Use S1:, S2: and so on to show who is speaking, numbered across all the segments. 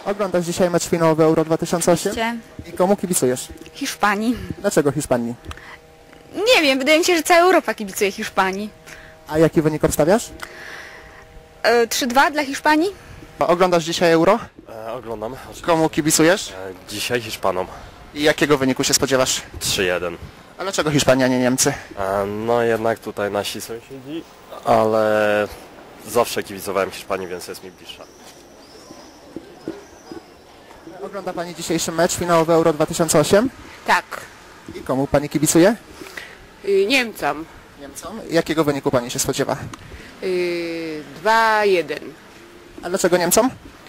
S1: Oglądasz dzisiaj mecz finałowy Euro 2008?
S2: Oczywiście.
S1: I komu kibicujesz?
S2: Hiszpanii.
S1: Dlaczego Hiszpanii?
S2: Nie wiem, wydaje mi się, że cała Europa kibicuje Hiszpanii.
S1: A jaki wynik obstawiasz?
S2: 3-2 dla Hiszpanii?
S1: Oglądasz dzisiaj Euro?
S3: Oglądam. Oczywiście.
S1: Komu kibicujesz?
S3: Dzisiaj Hiszpanom.
S1: I jakiego wyniku się spodziewasz?
S3: 3-1.
S1: A dlaczego Hiszpania, nie Niemcy?
S3: No jednak tutaj nasi sąsiedzi, ale zawsze kibicowałem Hiszpanii, więc jest mi bliższa.
S1: Ogląda Pani dzisiejszy mecz finałowy Euro 2008?
S4: Tak,
S1: I komu Pani kibicuje?
S4: Niemcom.
S1: Niemcom. Jakiego wyniku Pani się spodziewa?
S4: 2-1.
S1: A dlaczego Niemcom?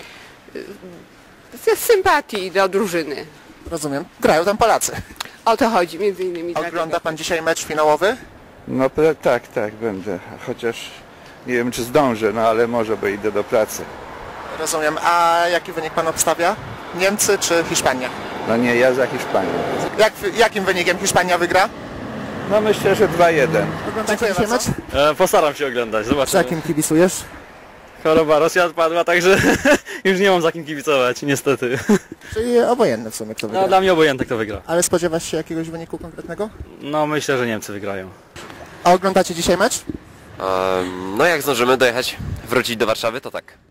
S4: Z sympatii do drużyny.
S1: Rozumiem. Grają tam Polacy.
S4: O to chodzi między innymi.
S1: Ogląda Pan dzisiaj mecz finałowy?
S5: No tak, będę. Chociaż nie wiem, czy zdążę, no ale może, bo idę do pracy.
S1: Rozumiem. A jaki wynik Pan obstawia? Niemcy czy Hiszpania?
S5: No nie, ja za Hiszpanią.
S1: Jakim wynikiem Hiszpania wygra?
S5: No myślę, że 2-1.
S1: Oglądacie dzisiaj mecz?
S6: Postaram się oglądać,
S1: Za
S6: zobaczymy.
S1: kim kibicujesz?
S6: Choroba Rosja odpadła, także już nie mam za kim kibicować, niestety.
S1: Czyli obojętne w sumie kto wygra.
S6: No dla mnie obojętne kto wygra.
S1: Ale spodziewasz się jakiegoś wyniku konkretnego?
S6: No myślę, że Niemcy wygrają.
S1: A oglądacie dzisiaj mecz?
S7: No jak zdążymy dojechać, wrócić do Warszawy, to tak.